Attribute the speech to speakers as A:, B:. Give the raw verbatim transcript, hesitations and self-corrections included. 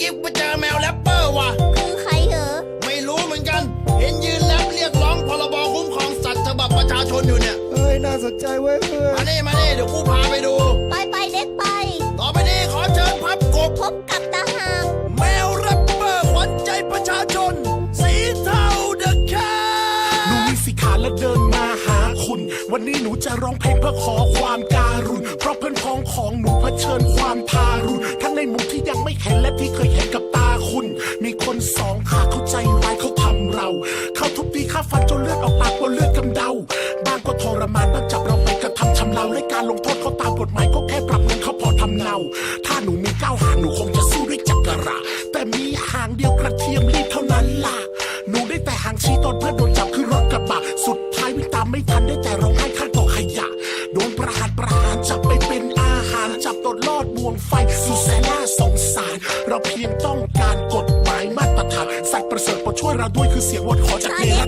A: กี้ไปเจอแมวแรปเปอร์ว่ะ
B: คือใครเหรอ
A: ไม่รู้เหมือนกันเห็นยืนแรปเรียกร้องพรบคุ้มครองสัตว์ฉบับประชาชนอยู่เนี่ย
C: เฮ้ยน่าสนใจเว้ยเพื่อน
A: มานี่มานี่เดี๋ยวกูพาไปดู
B: ไปไปเด็กไป
A: ต่อไปนี้ขอเชิญพับกบ
B: พบกับตาหาก
A: แมวแรปเปอร์ขวัญใจประชาชนสีเทาเดอะแคท
D: หนูมีสีขาและเดินมาหาคุณวันนี้หนูจะร้องเพลงเพื่อขอความการุณเพราะเพื่อนพ้องของหนูเผชิญความทารุณทั้งในมุมที่ยังไม่เห็นและที่เคยเห็นกับตาคุณมีคนสองขาเข้าใจร้ายเขาทำเราเขาทุบตีฆ่าฟันจนเลือดออกปากบนเลือดกำเดาบางก็ทรมานบางจับเราไปกระทำชำเราและการลงโทษเขาตามกฎหมายก็แค่ปรับเงินเขาพอทำเนาถ้าหนูมีเก้าหางหนูคงจะสู้ด้วยจักระแต่มีหางเดียวกระเทียมรีบเท่านั้นล่ะหนูได้แต่หางชี้ตอนเพื่อนโดนจับคือรถกระบะสุดท้ายวิ่งตามไม่ทันได้แต่ร้องไห้ข้างกองขยะโดนประหารประหารจับไปเป็นอาหารจับตดลอดบ่วงไฟสุดแสนน่าสงสารเราเพียงต้องการกฎหมายมาตรฐานสัตว์ประเสริฐโปรดช่วยเราด้วยคือเสียงวอนขอจากเนร